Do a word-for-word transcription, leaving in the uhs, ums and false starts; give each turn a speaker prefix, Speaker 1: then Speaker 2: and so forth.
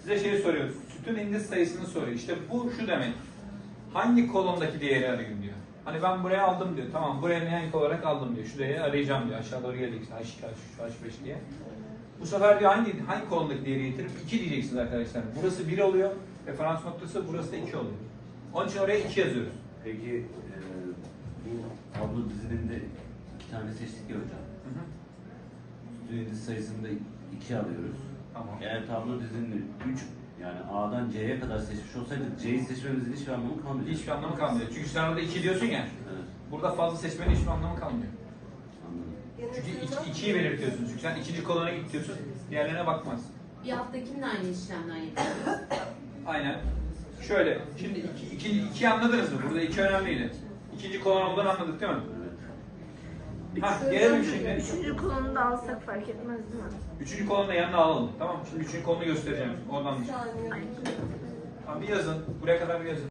Speaker 1: Size şey soruyor. Sütun indiz sayısını soruyor. İşte bu şu demek. Hangi kolondaki değeri arayın diyor. Hani ben buraya aldım diyor. Tamam buraya nihayet olarak aldım diyor. Şu değeri arayacağım diyor. Aşağı doğru gelecek. H iki, H üç, H beş diye. Bu sefer diyor hangi hangi kolondaki değeri getirip iki diyeceksiniz arkadaşlar. Burası bir oluyor. Referans noktası burası da iki oluyor. Onun için oraya iki yazıyoruz.
Speaker 2: Peki e, bu tablo diziliminde iki tane seçtik ya hocam.
Speaker 1: Hı hı.
Speaker 2: Sütun indiz sayısını da iki alıyoruz.
Speaker 1: Tamam.
Speaker 2: Eğer tablo dizilimini üç yani A'dan C'ye kadar seçmiş olsaydık C'yi seçmemizin hiçbir anlamı kalmıyor.
Speaker 1: Hiçbir anlamı kalmıyor. Çünkü sen orada iki diyorsun ya.
Speaker 2: Evet.
Speaker 1: Burada fazla seçmenin hiçbir anlamı kalmıyor.
Speaker 2: Anladım.
Speaker 1: Çünkü ikiyi belirtiyorsun. Çünkü sen ikinci kolona git diyorsun. Diğerlerine bakmaz.
Speaker 3: Bir haftakinin aynı işlemden yapıyoruz.
Speaker 1: Aynen. Şöyle. Şimdi iki, iki, iki anladınız mı? Burada iki önemliydi. İkinci kolon olduğunu anladık değil mi?
Speaker 2: Evet.
Speaker 1: Ha, gelelim şimdi.
Speaker 4: Üçüncü kolonu da alsak fark etmez değil mi?
Speaker 1: Üçüncü kolonu da yanına alalım. Tamam mı? Şimdi üçüncü kolonu göstereceğim. Oradan.
Speaker 4: Ay.
Speaker 1: Tamam bir yazın. Buraya kadar bir yazın.